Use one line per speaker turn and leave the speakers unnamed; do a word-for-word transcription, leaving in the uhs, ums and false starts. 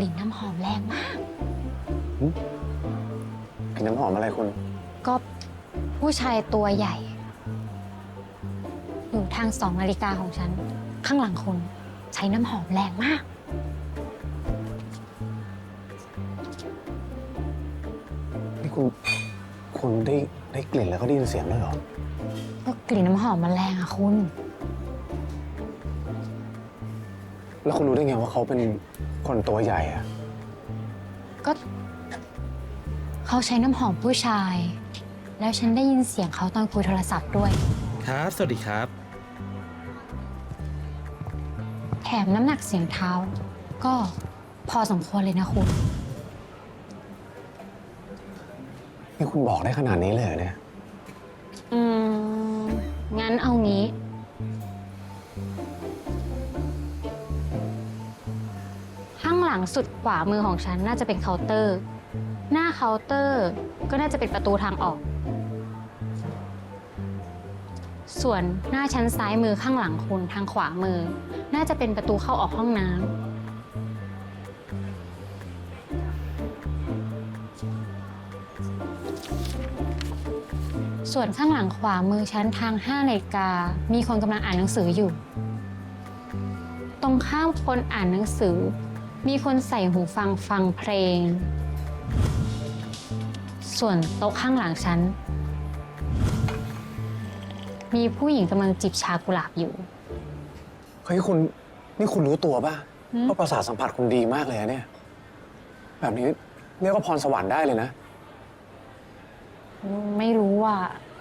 ลิ่นน้ำหอมแรงมาก
กลิ่นน้ำหอมอะไรคุณ
ก็ผู้ชายตัวใหญ่ อยู่ทางสองนาฬิกาของฉัน ข้างหลังคุณใช้น้ำหอมแรงมาก
นี่คุณ คุณได้ได้กลิ่นแล้วก็ได้ยินเสียงด้วยเหรอ
ก็กลิ่นน้ำหอมมันแรงอะคุณ
แล้วคุณรู้ได้ไงว่าเขาเป็นคนตัวใหญ่อะ
ก็เขาใช้น้ำหอมผู้ชาย แล้วฉันได้ยินเสียงเขาตอนคุยโทรศัพท์ด้วย
ครับ สวัสดีครับ
แถมน้ำหนักเสียงเท้า ก็พอสมควรเลยนะคุณ
นี่คุณบอกได้ขนาดนี้เลยเหรอเนี่ย
อืม งั้นเอางี้ ข้างหลังสุดขวามือของฉันน่าจะเป็นเคาน์เตอร์ หน้าเคาน์เตอร์ก็น่าจะเป็นประตูทางออก ส่วนหน้าชั้นซ้ายมือข้างหลังคุณทางขวามือ น่าจะเป็นประตูเข้าออกห้องน้ำส่วนข้างหลังขวามือชั้นทางห้านาฬิกามีคนกำลังอ่านหนังสืออยู่ ตรงข้ามคนอ่านหนังสือ มีคนใส่หูฟังฟังเพลง ส่วนโต๊ะข้างหลังฉันมีผู้หญิงกำลังจิบชากุหลาบอยู่
เฮ้ยคุณ นี่คุณรู้ตัวป่ะ
หืม
ว่าประสาทสัมผัสคุณดีมากเลยอะเนี่ย แบบนี้เรียกว่าพรสวรรค์ได้เลยนะ
ไม่รู้ว่า